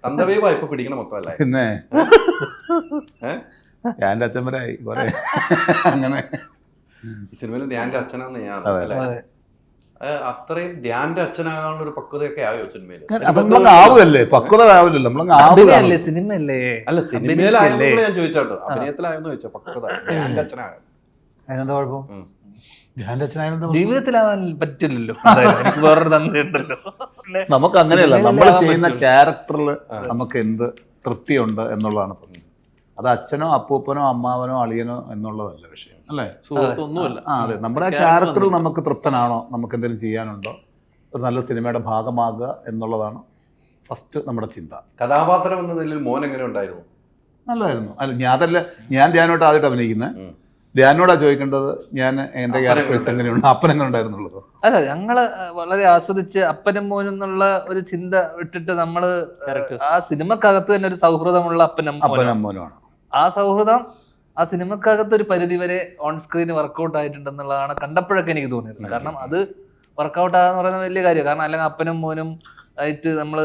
തന്തവേ വായ്പ പിടിക്കണം മൊത്തമല്ലേ? പിന്നെ ഞാൻ അച്ഛന്മാരായി കുറെ അങ്ങനെ. ഈ സിനിമയിൽ ധ്യാന്റെ അച്ഛനാന്ന് ഞാൻ അത്രയും ധ്യാന്റെ അച്ഛനാകാനുള്ള ഒരു പക്വതയൊക്കെ ആയോ സിനിമയിൽ? നമ്മളങ്ങ് ആവുമല്ലേ, പക്വത ആവില്ലല്ലോ, നമ്മളങ്ങ് ആവുകയല്ലേ. സിനിമയല്ലേ? അല്ല സിനിമയിലായല്ലോ ഞാൻ ചോദിച്ചാട്ടോ, അഭിനയത്തിലായെന്ന് ചോദിച്ചോ പക്വത ധ്യാന്റെ അച്ഛനാകാൻ അതിനെന്താ കുഴപ്പം? ധ്യാന്റെ അച്ഛനായ ജീവിതത്തിലാവാൻ പറ്റില്ലല്ലോ, എനിക്ക് വേറൊരു തന്നിട്ടുണ്ടല്ലോ. നമുക്ക് അങ്ങനെയല്ല, നമ്മൾ ചെയ്യുന്ന ക്യാരക്ടറിൽ നമുക്ക് എന്ത് തൃപ്തിയുണ്ട് എന്നുള്ളതാണ് പ്രശ്നം. അത് അച്ഛനോ അപ്പൂപ്പനോ അമ്മാവനോ അളിയനോ എന്നുള്ളതല്ല വിഷയം, അല്ലേ? സുഹൃത്തൊന്നുമല്ല. അതെ, നമ്മുടെ ആ ക്യാരക്ടറിൽ നമുക്ക് തൃപ്തനാണോ, നമുക്ക് എന്തെങ്കിലും ചെയ്യാനുണ്ടോ, ഒരു നല്ല സിനിമയുടെ ഭാഗമാകുക എന്നുള്ളതാണ് ഫസ്റ്റ് നമ്മുടെ ചിന്ത. കഥാപാത്രം എന്ന നിലയിൽ മോൻ എങ്ങനെ ഉണ്ടായിരുന്നു? നല്ലതായിരുന്നു. അല്ല, ഞാൻ ധ്യാനോട്ട് ആദ്യമായിട്ട് അഭിനയിക്കുന്നത്. ധ്യാനോടാ ചോദിക്കേണ്ടത്, ഞാൻ എൻ്റെ ക്യാരക്ടേഴ്സ് എങ്ങനെയുണ്ട്, അപ്പൻ എങ്ങനെ ഉണ്ടായിരുന്നുള്ളത്. അല്ല, ഞങ്ങള് വളരെ ആസ്വദിച്ച് അപ്പനും മോനും എന്നുള്ള ഒരു ചിന്ത വിട്ടിട്ട് നമ്മള് ആ സിനിമക്കകത്ത് തന്നെ ഒരു സൗഹൃദമുള്ള അപ്പനും മോനുമാണ്. ആ സൗഹൃദം ആ സിനിമക്കകത്ത് ഒരു പരിധി വരെ ഓൺ സ്ക്രീൻ വർക്കൗട്ട് ആയിട്ടുണ്ടെന്നുള്ളതാണ് കണ്ടപ്പോഴൊക്കെ എനിക്ക് തോന്നിയത്. കാരണം അത് വർക്കൗട്ട് ആകാന്ന് പറയുന്നത് വലിയ കാര്യം. കാരണം അല്ലെങ്കിൽ അപ്പനും മോനും ആയിട്ട് നമ്മള്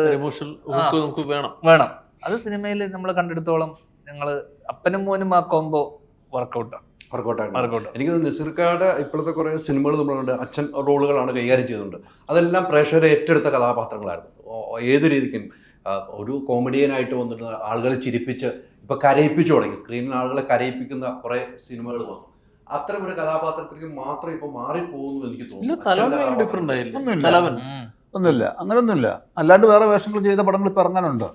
വേണം. അത് സിനിമയിൽ നമ്മൾ കണ്ടെടുത്തോളം ഞങ്ങള് അപ്പനും മോനും ആ കോംബോ വർക്കൗട്ടാണ്. എനിക്ക് നസീർക്കാരുടെ ഇപ്പോഴത്തെ കുറെ സിനിമകൾ നമ്മളുണ്ട്, അച്ഛൻ റോളുകളാണ് കൈകാര്യം ചെയ്തിട്ടുണ്ട്. അതെല്ലാം പ്രേക്ഷകരെ ഏറ്റെടുത്ത കഥാപാത്രങ്ങളായിരുന്നു. ഏത് രീതിക്കും ഒരു കോമഡിയനായിട്ട് വന്നിട്ട് ആളുകളെ ചിരിപ്പിച്ച് ഇപ്പൊ കരയിപ്പിച്ചു തുടങ്ങി, സ്ക്രീനിൽ ആളുകളെ കരയിപ്പിക്കുന്ന കുറെ സിനിമകൾ വന്നു. അത്തരം ഒരു കഥാപാത്രത്തിലേക്ക് മാത്രം ഇപ്പൊ മാറിപ്പോകുന്നു എനിക്ക് തോന്നുന്നു. ഒന്നുമില്ല, അങ്ങനെയൊന്നുമില്ല. അല്ലാണ്ട് വേറെ വേഷങ്ങൾ ചെയ്ത പടങ്ങൾ ഇപ്പൊ ഇറങ്ങാനുണ്ട്.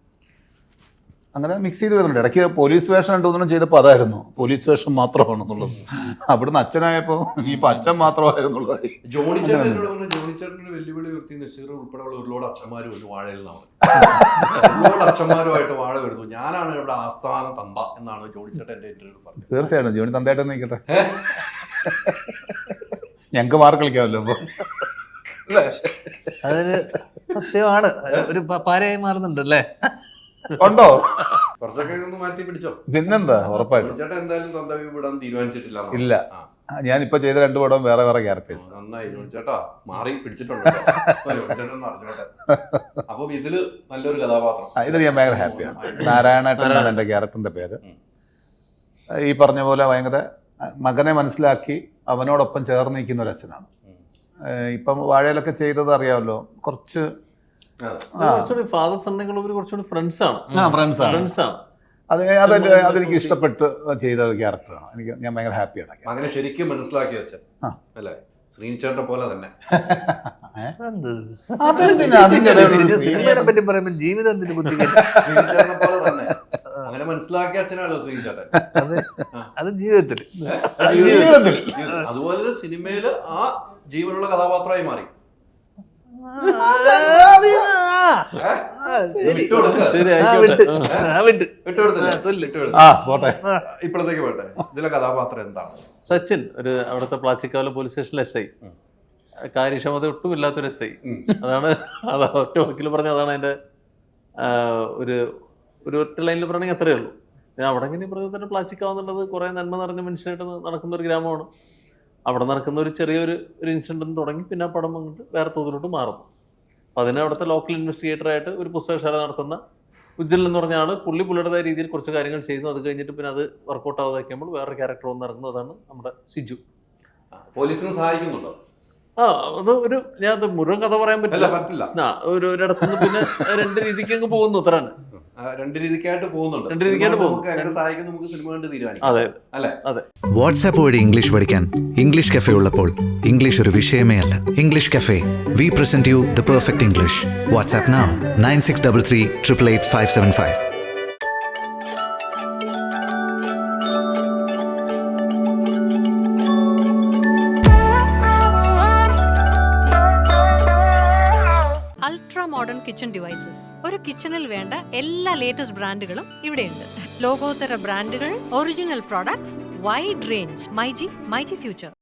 അങ്ങനെ മിക്സ് ചെയ്ത് വരുന്നുണ്ട്. ഇടയ്ക്ക് പോലീസ് വേഷം രണ്ടൊന്നും ചെയ്തപ്പോൾ അതായിരുന്നു, പോലീസ് വേഷം മാത്രമാണെന്നുള്ളത്. അവിടുന്ന് അച്ഛനായപ്പോ ഇപ്പൊ അച്ഛൻ മാത്രമായിരുന്നുള്ളത്. ജോണി ചേട്ടനൊരു വെല്ലുവിളി ഉയർത്തി നസീർ ഉൾപ്പെടെയുള്ള ഒരുപാട് അച്ഛന്മാരും ഒരു വാഴയിൽ നിന്നാണ് ഒരുപാട് അച്ഛന്മാരുമായിട്ട് വാഴ വരുന്നു. ഞാനാണ് ഇവിടെ ആസ്ഥാന തന്ത എന്നാണ് ജോണി ചേട്ടൻ എന്റെ ഇന്റർവ്യൂ പറഞ്ഞത്. തീർച്ചയായിട്ടും ജോണി തന്തയായിട്ട് നിൽക്കട്ടെ, ഞങ്ങക്ക് മാർക്ക് കളിക്കാമല്ലോ. അപ്പൊ അതൊരു സത്യമാണ്, ഒരു പാരയായി മാറുന്നുണ്ട് അല്ലേ? ഉണ്ടോ? കുറച്ചൊക്കെ ഒന്ന് മാറ്റി പിടിച്ചോ. പിന്നെന്താ, ഉറപ്പായിട്ടും. ചേട്ടൻ എന്തായാലും തന്തവി വിടാൻ തീരുമാനിച്ചിട്ടില്ല. ഇല്ല, ഞാനിപ്പോ ചെയ്ത 2 പടം വേറെ വേറെ ക്യാരക്ടേഴ്സ്. നന്നായി ചേട്ടാ, മാറി പിടിച്ചിട്ടുണ്ട്. അപ്പൊ ഇതില് നല്ലൊരു കഥാപാത്രം, ഇതിൽ ഞാൻ ഭയങ്കര ഹാപ്പിയാണ്. നാരായണേട്ടൻ എന്നാണ് എൻ്റെ ക്യാരക്ടറിന്റെ പേര്. ഈ പറഞ്ഞ പോലെ ഭയങ്കര മകനെ മനസ്സിലാക്കി അവനോടൊപ്പം ചേർന്ന് നിൽക്കുന്ന ഒരു അച്ഛനാണ്. ഇപ്പം വാഴയിലൊക്കെ ചെയ്തത് അറിയാമല്ലോ, കുറച്ച് ഫാദർ സണ്ണുകൾ കുറച്ചുകൂടി ഫ്രണ്ട്സാണ്. അതെനിക്ക് ഇഷ്ടപ്പെട്ട് ചെയ്ത ഒരു ക്യാരക്ടറാണ്. ഞാൻ ഭയങ്കര ഹാപ്പിയാണ്. അങ്ങനെ ശരിക്കും മനസ്സിലാക്കി വെച്ചേ അല്ലേ? ശ്രീനിച്ചേട്ടനെ പോലെ തന്നെ. സിനിമയെ പറ്റി പറയുമ്പോൾ ജീവിതം ശ്രീനിച്ചേട്ടനെ പോലെ തന്നെ അങ്ങനെ മനസ്സിലാക്കിയ അച്ഛനാണല്ലോ ശ്രീനിച്ചേട്ടൻ. അത് ജീവിതത്തിൽ അതുപോലെ സിനിമയില് ആ ജീവനുള്ള കഥാപാത്രമായി മാറി. ഇപ്പോഴത്തേക്ക് പോട്ടെ, ഇതിലെ കഥാപാത്രം എന്താണ്? സച്ചിൻ, ഒരു അവിടുത്തെ പ്ലാച്ചിക്കാവിലെ പോലീസ് സ്റ്റേഷനിലെ SI, കാര്യക്ഷമത ഒട്ടും ഇല്ലാത്തൊരു SI. അതാണ് ഒറ്റ വാക്കിൽ പറഞ്ഞ അതാണ് അതിന്റെ ഒരു ഒറ്റ ലൈനിൽ പറയണമെങ്കിൽ അത്രയേ ഉള്ളൂ. പിന്നെ അവിടെ ഇങ്ങനെ പറഞ്ഞാൽ തന്നെ പ്ലാച്ചിക്കാവുന്നുള്ളത് കുറെ നന്മ നിറഞ്ഞ മനുഷ്യനായിട്ട് നടക്കുന്ന ഒരു ഗ്രാമമാണ്. അവിടെ നടക്കുന്ന ഒരു ചെറിയൊരു ഇൻസിഡന്റ് തുടങ്ങി പിന്നെ ആ പടം വന്നിട്ട് വേറെ തോതിലോട്ട് മാറുന്നു. അപ്പം അതിന് അവിടുത്തെ ലോക്കൽ ഇൻവെസ്റ്റിഗേറ്ററായിട്ട് ഒരു പുസ്തകശാല നടത്തുന്ന ഉജ്ജൽ എന്ന് പറഞ്ഞ ആൾ പുള്ളിയുടേതായ രീതിയിൽ കുറച്ച് കാര്യങ്ങൾ ചെയ്യുന്നു. അത് കഴിഞ്ഞിട്ട് പിന്നെ അത് വർക്കൗട്ട് ആവാതാക്കുമ്പോൾ വേറെ ക്യാരക്ടർ വന്ന് ഇറങ്ങുന്നു. അതാണ് നമ്മുടെ സിജു. പോലീസിനെ സഹായിക്കുന്നുണ്ടോ? അത് ഒരു ഞാൻ അത് മുഴുവൻ കഥ പറയാൻ പറ്റില്ല. ഒരിടത്തുനിന്ന് പിന്നെ 2 രീതിക്ക് അങ്ങ് പോകുന്നു. അത്രയാണ്. 2 രീതിക്കായിട്ട് പോകുന്നുണ്ട്. അതെ അതെ. വാട്സാപ്പ് വഴി ഇംഗ്ലീഷ് പഠിക്കാൻ ഇംഗ്ലീഷ് കഫേ ഉള്ളപ്പോൾ ഇംഗ്ലീഷ് ഒരു വിഷയമേ അല്ല. English cafe, we present you the perfect English. WhatsApp now 9633 888 575. Modern kitchen devices. ഒരു കിച്ചണിൽ വേണ്ട എല്ലാ ലേറ്റസ്റ്റ് ബ്രാൻഡുകളും ഇവിടെയുണ്ട്. ലോകോത്തര ബ്രാൻഡുകൾ, original products, wide range. MyG future.